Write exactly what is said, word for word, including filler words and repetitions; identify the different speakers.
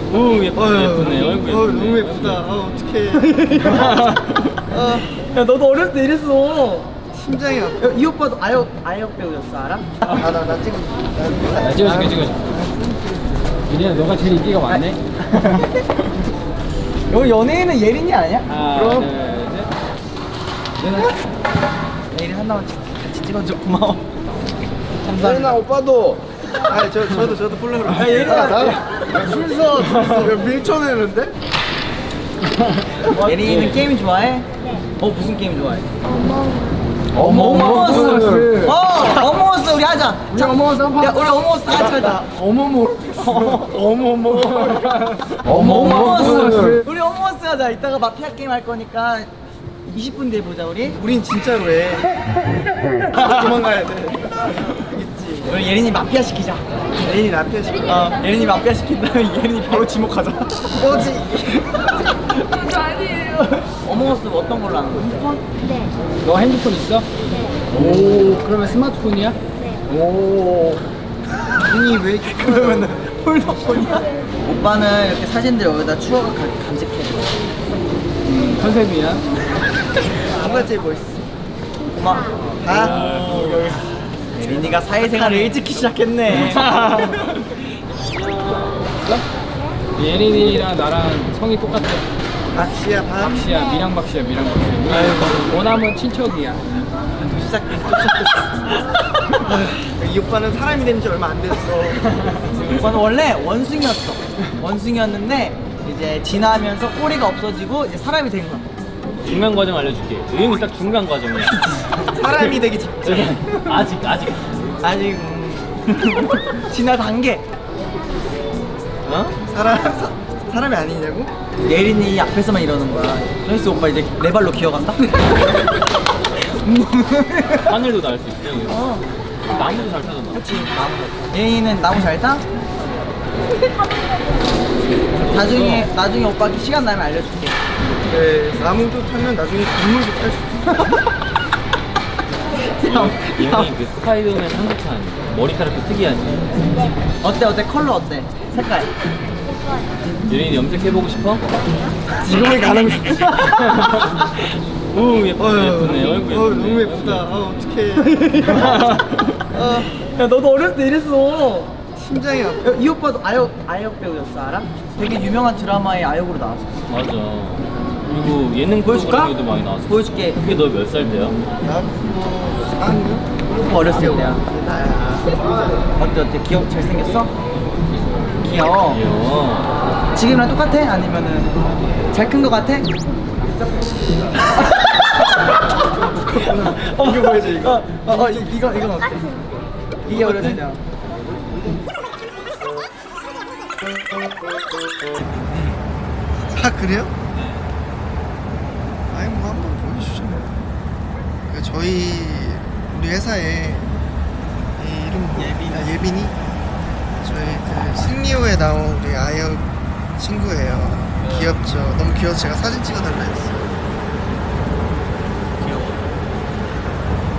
Speaker 1: 오 예쁘네 예쁘네 얼굴
Speaker 2: 어,
Speaker 1: 예쁘네.
Speaker 2: 너무 예쁘다. 아 어떡해. 아,
Speaker 3: 야 너도 어렸을 때 이랬어.
Speaker 2: 심장이 아파.
Speaker 3: 야, 이 오빠도 아역 아역 배우였어 알아?
Speaker 2: 아나나 찍어.
Speaker 1: 나 찍어줄게 찍어줄게. 윤희야 너가 제일 인기가 많네.
Speaker 3: 여기 연예인은 예린이 아니야?
Speaker 1: 하나
Speaker 2: 그럼.
Speaker 1: 둘셋.
Speaker 3: 예린 하나만 같이 찍어줘 고마워.
Speaker 2: 예린아 오빠도. 아니 저 저도 저도 폴라로.
Speaker 3: 야, 예린아.
Speaker 2: 줄서 줄서 밀쳐내는데?
Speaker 3: 예린이는 게임 좋아해? 어 무슨 게임 좋아해?
Speaker 2: 어머
Speaker 3: 어머머스. 어 어머머스 우리 하자.
Speaker 2: 우리 어머머스 한번.
Speaker 3: 야 우리 어머머스 같이 하자.
Speaker 2: 어머머. 어머머.
Speaker 3: 어머머스. 우리 어머머스 하자. 이따가 마피아 게임 할 거니까 이십 분 뒤에 보자 우리.
Speaker 2: 우린 진짜로 해. 도망가야 돼. 있지.
Speaker 3: 우리 예린이 마피아 시키자.
Speaker 2: 예린이 나한테 시켜.
Speaker 3: 어 예린이 마피아 시킨 다음에 예린이 바로 지목하자.
Speaker 2: 뭐지?
Speaker 3: 어머머스 어떤 걸로 하는 거지?
Speaker 4: 네.
Speaker 1: 너 핸드폰 있어? 오 그러면 스마트폰이야?
Speaker 2: 오. 눈이 왜 이렇게
Speaker 3: 그러면은 폴더폰이야? 오빠는 이렇게 사진들 여기다 추억을 가, 간직해.
Speaker 1: 음, 컨셉이야?
Speaker 2: 누가 제일 멋있어?
Speaker 3: 고마워.
Speaker 2: 아.
Speaker 3: 예린이가 사회생활을 일찍 시작했네.
Speaker 1: 예린이랑 나랑 성이 똑같아.
Speaker 2: 박씨야 박.
Speaker 1: 박씨야 미랑 박씨야 미랑 박씨. 원하면 친척이야.
Speaker 3: 또 시작됐어. 또 시작됐어.
Speaker 2: 이 오빠는 사람이 된 지 얼마 안 됐어.
Speaker 3: 오빠는 원래 원숭이였어. 원숭이였는데 이제 지나면서 꼬리가 없어지고 이제 사람이 된 거야.
Speaker 1: 중간 과정 알려줄게. 의형이 딱 중간 과정이야.
Speaker 2: 사람이 되기 직전.
Speaker 1: 아직 아직.
Speaker 3: 아직 음, 지나 단계.
Speaker 1: 어?
Speaker 2: 사람 사, 사람이 아니냐고?
Speaker 3: 예린이 앞에서만 이러는 거야. 저기서 오빠 이제 네 발로 기어간다.
Speaker 1: 하늘도 날 수 있어.
Speaker 3: 어.
Speaker 1: 나무도 잘 타잖아.
Speaker 3: 그렇지. 나무. 예린이는 나무 잘 타? 나중에 나중에 오빠 시간 나면 알려줄게.
Speaker 2: 네, 나무도 타면 나중에 동물도 탈 수 있어.
Speaker 1: 예린이 그 스파이더맨 한국판 머리카락도 특이하지.
Speaker 3: 어때 어때 컬러 어때? 색깔.
Speaker 1: 예린이 염색해보고 싶어?
Speaker 2: 지금은 가능해.
Speaker 1: 오 예쁘네 예쁘네 얼굴 예쁘네.
Speaker 2: 어, 너무 예쁘다. 아 어떡해. 아,
Speaker 3: 야 너도 어렸을 때 이랬어.
Speaker 2: 심장이 아파.
Speaker 3: 야, 이 오빠도 아역 아역 배우였어 알아? 되게 유명한 드라마에 아역으로 나왔어.
Speaker 1: 맞아. 그리고 예능
Speaker 3: 보여줄까?
Speaker 1: 프로그램에도 많이 나왔어.
Speaker 3: 보여줄게.
Speaker 1: 그게 너 몇 살 때야?
Speaker 2: 나뭐 사학년?
Speaker 3: 어렸을 때야.
Speaker 2: 나야.
Speaker 3: 어때 어때 귀엽 잘생겼어? 귀여워.
Speaker 1: 귀여워.
Speaker 3: 지금이랑 똑같아? 아니면은 잘 큰 거 같아?
Speaker 2: 어, 이거 보여줘 이거.
Speaker 3: 어, 어, 어 이, 이거 이건 어때? 이게 어렸을 때야.
Speaker 2: 아 그래요? 아니 뭐 한번 보여주죠. 그 저희 우리 회사에 이 이름 예빈 아, 예빈이 저희 그 승리호에 나온 우리 아역 친구예요. 귀엽죠. 너무 귀여워서 제가 사진 찍어달라 했어요.